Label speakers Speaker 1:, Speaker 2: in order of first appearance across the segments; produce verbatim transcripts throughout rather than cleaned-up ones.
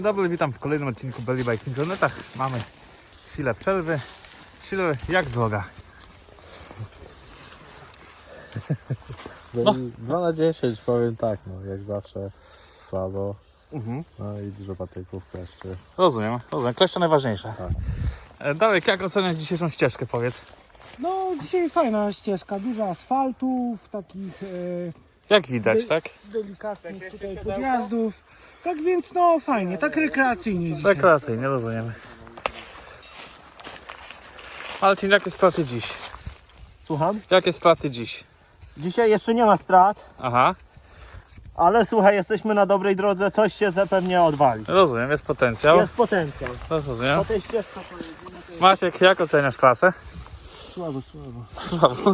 Speaker 1: Dobry, witam w kolejnym odcinku Belly Bike w internetach. Mamy chwilę przerwy. Chwilę jak droga.
Speaker 2: No. dwa na dziesięć powiem tak, no jak zawsze słabo.
Speaker 1: Mhm.
Speaker 2: No i dużo patyków, kleszczy.
Speaker 1: Rozumiem, rozumiem. Kleszcze najważniejsze.
Speaker 2: Tak.
Speaker 1: E, Darek, jak oceniać dzisiejszą ścieżkę, powiedz?
Speaker 3: No dzisiaj fajna ścieżka, dużo asfaltów, takich e,
Speaker 1: Jak widać,
Speaker 3: Dy-
Speaker 1: tak?
Speaker 3: delikatnych tutaj podjazdów. Tak więc no fajnie, tak rekreacyjnie dzisiaj.
Speaker 1: Rekreacyjnie, rozumiem. Marcin, jakie straty dziś?
Speaker 4: Słucham?
Speaker 1: Jakie straty dziś?
Speaker 4: Dzisiaj jeszcze nie ma strat,
Speaker 1: Aha,
Speaker 4: ale słuchaj, jesteśmy na dobrej drodze, coś się zapewne odwali.
Speaker 1: rozumiem, jest potencjał.
Speaker 4: Jest potencjał.
Speaker 1: Rozumiem.
Speaker 4: Po tej ścieżce pojedziemy, to jest
Speaker 1: Maciek, jak oceniasz klasę?
Speaker 4: słabo, słabo.
Speaker 1: Słabo.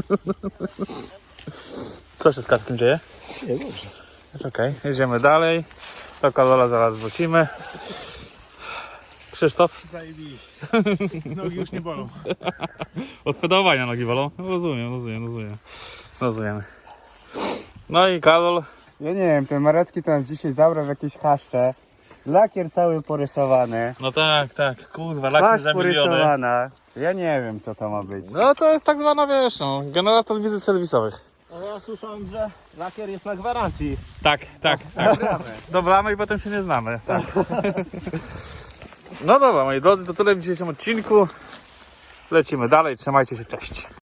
Speaker 1: Co się z Kackiem dzieje?
Speaker 4: Nie, dobrze.
Speaker 1: Jest okej, jedziemy dalej. Do Karola zaraz wrócimy. Krzysztof?
Speaker 3: Zajebiście. Nogi już nie bolą.
Speaker 1: Od pedałowania nogi bolą? No, rozumiem, rozumiem, rozumiem. Rozumiemy. No i Karol.
Speaker 5: Ja nie wiem, ten Marecki to nas dzisiaj zabrał w jakieś chaszcze. Lakier cały porysowany.
Speaker 1: No tak, tak, kurwa, laki
Speaker 5: Twarz
Speaker 1: za miliony.
Speaker 5: porysowana. Ja nie wiem, co to ma być.
Speaker 1: No to jest tak zwana, wiesz, no, generator wizyt serwisowych.
Speaker 4: Ale ja słyszałem, że lakier jest na gwarancji.
Speaker 1: Tak, tak, tak. Dobramy i potem się nie znamy. Tak. No dobra, moi drodzy, to tyle w dzisiejszym odcinku. Lecimy dalej, trzymajcie się, cześć.